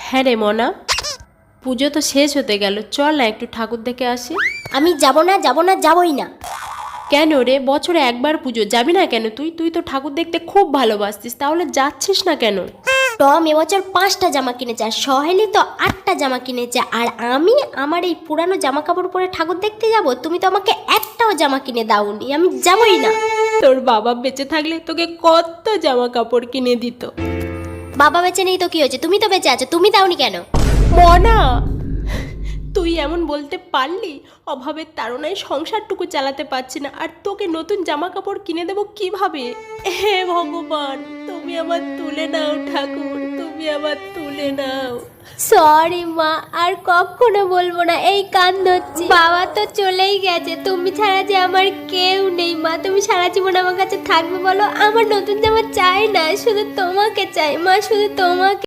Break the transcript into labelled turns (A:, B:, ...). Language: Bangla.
A: হ্যাঁ রে মনা, পুজো তো শেষ হতে গেল, চল না একটু ঠাকুর দেখে আসি।
B: আমি যাব না, যাব না, যাবই না।
A: কেন রে, বছরে একবার পুজো, যাবি না কেন? তুই তুই তো ঠাকুর দেখতে খুব ভালোবাসতিস, তাহলে যাচ্ছিস না কেন?
B: টম এবছর 5টা জামা কিনেছে, আর সহেলি তো 8টা জামা কিনেছে, আর আমি আমার এই পুরানো জামা কাপড় পরে ঠাকুর দেখতে যাব? তুমি তো আমাকে একটাও জামা কিনে দাওনি, আমি যাবই না।
A: তোর বাবা বেঁচে থাকলে তোকে কত জামা কাপড় কিনে দিত।
B: বাবা বেঁচে নেই তো কি হয়েছে, তুমি তো বেঁচে আছো, তুমি দাওনি কেন?
A: মনা, তুই এমন বলতে পারলি? অভাবের তাড়নায় সংসারটুকু চালাতে পারছি না, আর তোকে নতুন জামা কাপড় কিনে দেবো কিভাবে? হে ভগবান, তুমি আবার তুলে নাও ঠাকুর, তুমি আবার তুলে নাও।
B: সরি মা, আর কখনো বলবো না, এই কান ধরছি। বাবা তো চলেই গেছে, তুমি ছাড়া যে আমার কেউ নেই মা। তুমি সারা জীবন আমার কাছে থাকবে বলো? আমার নতুন জামা চাই না, শুধু তোমাকে চাই মা, শুধু তোমাকে।